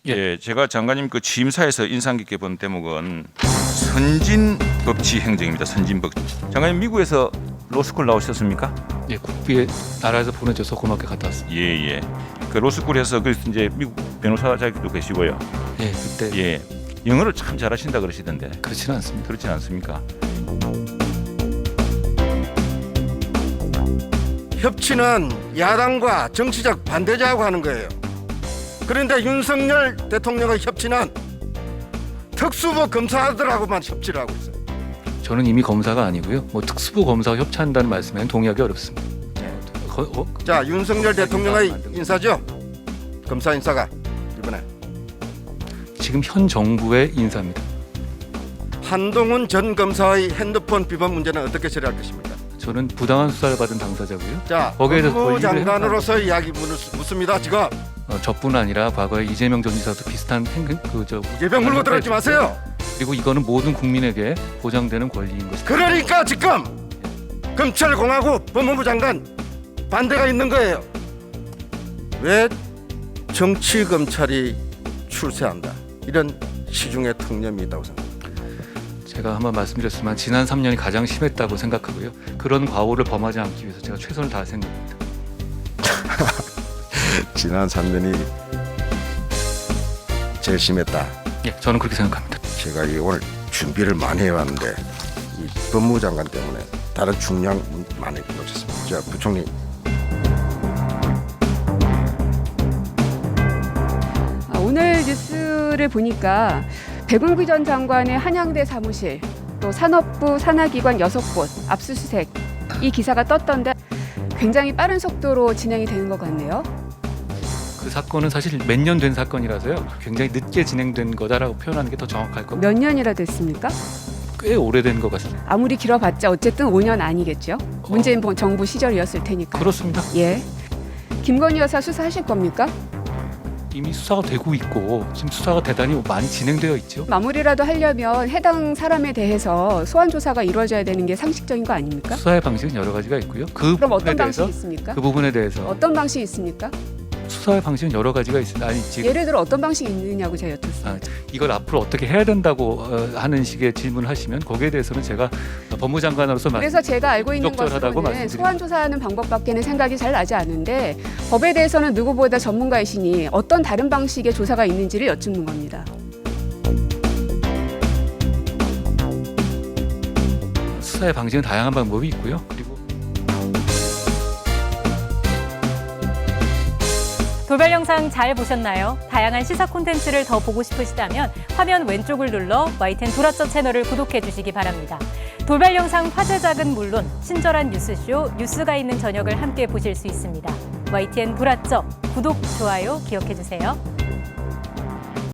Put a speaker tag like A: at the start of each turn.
A: 예, 제가 장관님 그 취임사에서 인상 깊게 본 대목은 선진법치 행정입니다. 선진법치. 장관님 미국에서 로스쿨 나오셨습니까?
B: 예, 국비에 나라에서 보내줘서 고맙게 갔다 왔습니다.
A: 예, 예. 그 로스쿨에서 그 이제 미국 변호사 자격도 계시고요.
B: 예, 그때
A: 예, 영어를 참 잘하신다 그러시던데
B: 그렇지는 않습니다.
A: 그렇진 않습니까?
C: 협치는 야당과 정치적 반대자하고 하는 거예요. 그런데 윤석열 대통령의 협치는 특수부 검사들하고만 협치를 하고 있어요.
B: 저는 이미 검사가 아니고요. 뭐 특수부 검사와 협치한다는 말씀에는 동의하기 어렵습니다.
C: 자, 윤석열 대통령의 인사죠. 검사 인사가 이번에
B: 지금 현 정부의 인사입니다.
C: 한동훈 전 검사의 핸드폰 비번 문제는 어떻게 처리할 것입니까?
B: 저는 부당한 수사를 받은 당사자고요.
C: 자,
B: 거기에 대해서
C: 법무부
B: 권리를
C: 장관으로서 이야기 묻습니다. 지금
B: 저뿐 아니라 과거에 이재명 전 지사도 비슷한
C: 예병 물고 들어오지 마세요.
B: 그리고 이거는 모든 국민에게 보장되는 권리인 것입니다.
C: 그러니까 지금 검찰공화국 법무부 장관 반대가 있는 거예요. 왜 정치검찰이 출세한다, 이런 시중에 통념이 있다고 생각합니다.
B: 제가 한번 말씀드렸지만 지난 3년이 가장 심했다고 생각하고요. 그런 과오를 범하지 않기 위해서 제가 최선을 다할 생각입니다.
C: 지난 3년이 제일 심했다.
B: 예, 저는 그렇게 생각합니다.
C: 제가 오늘 준비를 많이 해왔는데 이 법무부 장관 때문에 다른 중요한 문제 많이 놓쳤습니다. 자, 부총리.
D: 오늘 뉴스를 보니까 백운기 전 장관의 한양대 사무실, 또 산업부 산하기관 6곳 압수수색, 이 기사가 떴던데 굉장히 빠른 속도로 진행이 되는 것 같네요.
B: 그 사건은 사실 몇 년 된 사건이라서요. 굉장히 늦게 진행된 거다라고 표현하는 게 더 정확할 겁니다.
D: 몇 년이나 됐습니까?
B: 꽤 오래된 것 같습니다.
D: 아무리 길어봤자 어쨌든 5년 아니겠죠? 문재인 정부 시절이었을 테니까.
B: 그렇습니다.
D: 예. 김건희 여사 수사하실 겁니까?
B: 이미 수사가 되고 있고 지금 수사가 대단히 많이 진행되어 있죠.
D: 마무리라도 하려면 해당 사람에 대해서 소환 조사가 이루어져야 되는 게 상식적인 거 아닙니까?
B: 수사의 방식은 여러 가지가 있고요. 그
D: 그럼
B: 부분에
D: 어떤
B: 대해서
D: 방식이 있습니까?
B: 그 부분에 대해서
D: 어떤 방식이 있습니까?
B: 수사의 방식은 여러 가지가 있습니다. 아니 지금
D: 예를 들어 어떤 방식이 있느냐고 제가 여쭙습니다.
B: 이걸 앞으로 어떻게 해야 된다고 하는 식의 질문을 하시면 거기에 대해서는 제가 법무장관으로서
D: 그래서 제가 알고 있는
B: 부적절하다고
D: 것으로는
B: 말씀드립니다.
D: 소환 조사하는 방법밖에는 생각이 잘 나지 않는데 법에 대해서는 누구보다 전문가이시니 어떤 다른 방식의 조사가 있는지를 여쭙는 겁니다.
B: 수사의 방식은 다양한 방법이 있고요. 그리고
E: 돌발 영상 잘 보셨나요? 다양한 시사 콘텐츠를 더 보고 싶으시다면 화면 왼쪽을 눌러 YTN 돌아쩌 채널을 구독해 주시기 바랍니다. 돌발 영상 화제작은 물론 친절한 뉴스쇼 뉴스가 있는 저녁을 함께 보실 수 있습니다. YTN 돌아쩌 구독, 좋아요 기억해 주세요.